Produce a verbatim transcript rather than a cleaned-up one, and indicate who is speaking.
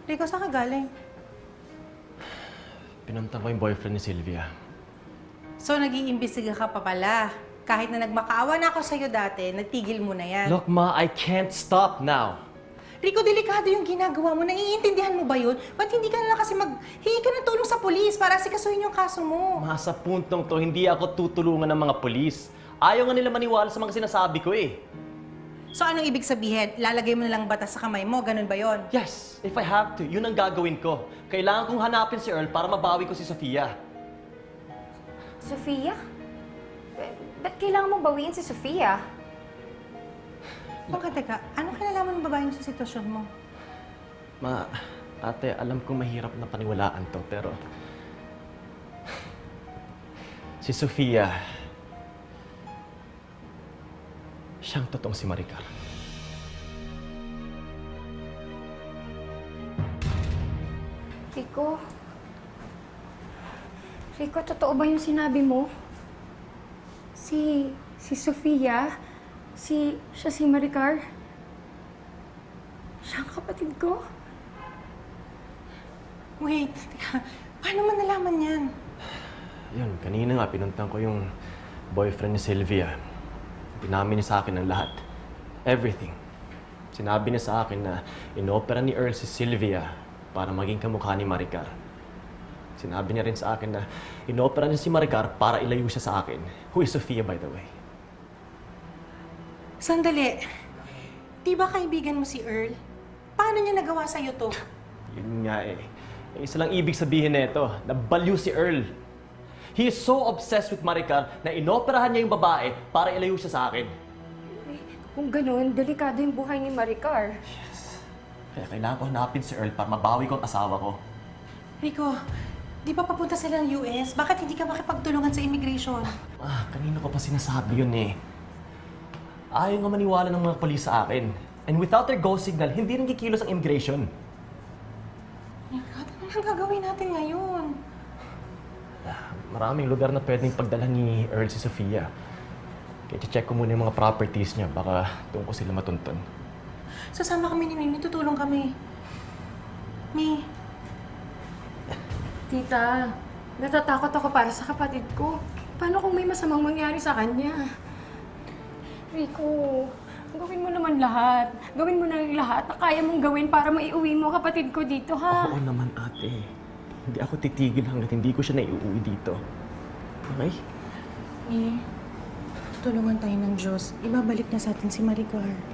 Speaker 1: Rico, saan ka galing?
Speaker 2: Pinunta ko yung boyfriend ni Sylvia.
Speaker 1: So, nag-iimbestiga ka pa pala. Kahit na nagmakaawa na ako sa'yo dati, nagtigil mo na yan.
Speaker 2: Look, Ma, I can't stop now.
Speaker 1: Rico, delikado yung ginagawa mo. Naiintindihan mo ba yun? Ba't hindi ka na lang kasi maghingi ka ng tulong sa polis para sikasuhin yung kaso mo?
Speaker 2: Ma, sa puntong to, hindi ako tutulungan ng mga polis. Ayaw nga nila maniwala sa mga sinasabi ko eh.
Speaker 1: So, anong ibig sabihin? Lalagay mo na lang batas sa kamay mo? Ganun ba yon?
Speaker 2: Yes, if I have to, yun ang gagawin ko. Kailangan kong hanapin si Earl para mabawi ko si Sofia.
Speaker 3: Sofia? Ba- ba't kailangan mong bawiin si Sofia?
Speaker 1: Baka teka, anong kinalaman ng babae mo sa sitwasyon mo?
Speaker 2: Ma, ate, alam kong mahirap na paniwalaan to, pero... Si Sofia... Siyang totoong si Maricar.
Speaker 3: Rico? Rico, totoo ba yung sinabi mo? Si... si Sofia? Si... siya si Maricar? Siya ang kapatid ko?
Speaker 1: Wait, teka, paano mo nalaman yan?
Speaker 2: Yun, kanina nga pinuntang ko yung boyfriend ni Sylvia. Pinamin niya sa akin ang lahat. Everything. Sinabi niya sa akin na inopera ni Earl si Sylvia para maging kamukha ni Maricar. Sinabi niya rin sa akin na inopera niya si Maricar para ilayo siya sa akin. Who is Sofia, by the way?
Speaker 1: Sandali. Di ba kaibigan mo si Earl? Paano niya nagawa sa'yo to?
Speaker 2: Yun nga eh. Yung isa lang ibig sabihin nito, na baliw si Earl. He is so obsessed with Maricar na inoperahan niya yung babae para ilayo siya sa akin.
Speaker 3: Eh, kung ganun, delikado yung buhay ni Maricar.
Speaker 2: Kaya kailangan ko hanapin si Earl para mabawi ko ang asawa ko.
Speaker 1: Rico, di ba papunta sila ng U S? Bakit hindi ka makipagtulungan sa immigration?
Speaker 2: Ah, kanina ko pa sinasabi yun eh. Ayaw nga maniwala ng mga polis sa akin. And without their go signal, hindi rin kikilos ang immigration.
Speaker 1: My God, ano nang gagawin natin ngayon?
Speaker 2: Maraming lugar na pwedeng pagdala ni Earl si Sofia. Kaya check ko muna yung mga properties niya, baka doon ko sila matuntun.
Speaker 1: Sasama kami ni Mimi, tutulong kami. Mi,
Speaker 3: Tita, natatakot ako para sa kapatid ko. Paano kung may masamang mangyari sa kanya? Rico, gawin mo naman lahat. Gawin mo na lahat na kaya mong gawin para maiuwi mo kapatid ko dito, ha?
Speaker 2: Oo naman, ate. Hindi ako titigil hanggat hindi ko siya naiuwi dito. Okay?
Speaker 1: Mi, tutulungan tayo ng Diyos. Ibabalik na sa atin si Maricar.